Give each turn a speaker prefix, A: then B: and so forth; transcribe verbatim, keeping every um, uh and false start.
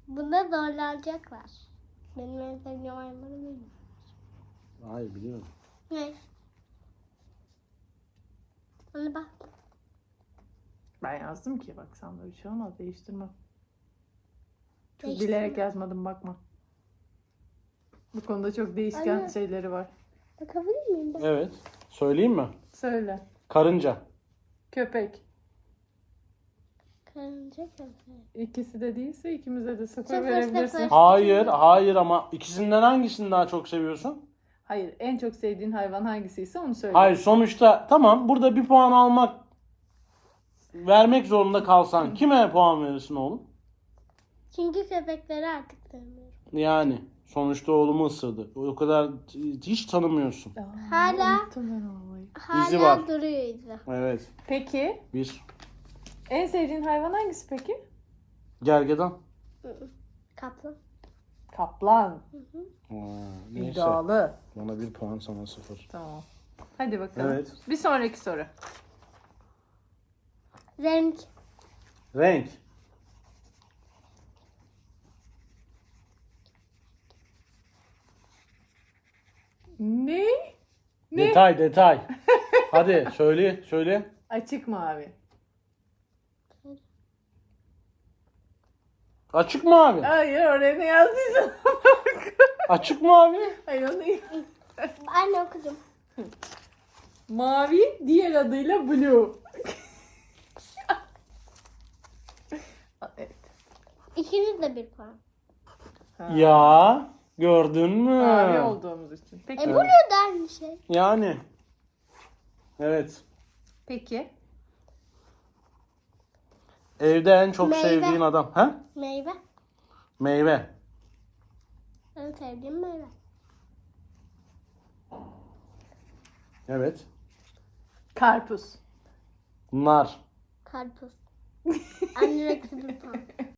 A: Bunda zorlanacaklar. Benim en sevdiğim hayvanı bilmiyorum.
B: Hayır biliyorum.
A: Ne? Ona bak.
C: Ben yazdım ki bak sana bir şey olmaz değiştirmem. Çok
A: Değiştirme.
C: bilerek yazmadım bakma. Bu konuda çok değişken
A: Anne.
C: şeyleri var.
A: Bakabilir miyim ben?
B: Evet. Söyleyeyim mi?
C: Söyle.
B: Karınca.
C: Köpek.
A: Karınca köpeği.
C: İkisi de değilse ikimize de sıfır
A: Sıfır,
C: verebilirsin.
A: sıfır.
B: Hayır, hayır ama ikisinden hangisini daha çok seviyorsun?
C: Hayır, en çok sevdiğin hayvan hangisiyse onu söyle.
B: Hayır, sonuçta tamam burada bir puan almak vermek zorunda kalsan kime puan verirsin oğlum?
A: Çünkü köpekleri artık sevmiyorum.
B: Yani sonuçta oğlumu ısırdı. O kadar hiç tanımıyorsun.
C: Aa,
A: Hala-
C: unuttum ben olayı.
A: Hala
B: İzi var.
A: duruyor izi.
B: Evet.
C: Peki,
B: Bir.
C: en sevdiğin hayvan hangisi peki?
B: Gergedan.
A: Kaplan.
C: Kaplan.
B: Aa, neyse.
C: İddialı.
B: Bana bir puan sana sıfır.
C: Tamam. Hadi bakalım.
B: Evet.
C: Bir sonraki soru.
A: Renk.
B: Renk.
C: Ne? Ne?
B: Detay detay. Hadi söyle söyle.
C: Açık mavi.
B: Açık mavi.
C: Hayır, oraya ne yazdıysan.
B: Açık mavi.
C: Hayır, onu
A: Anne okudum.
C: mavi, diğer adıyla blue. Evet.
A: İkiniz de bir puan.
C: Ha.
B: Ya gördün mü?
C: Mavi olduğumuz için. Peki.
A: E bu ne da aynı şey?
B: Yani. Evet.
C: Peki.
B: Evde en çok
A: Meyve.
B: sevdiğin adam. Ha?
A: Meyve.
B: Meyve.
A: En sevdiğim meyve.
B: Evet.
C: Karpuz.
B: Nar.
A: Karpuz. Anne eksi bir puan.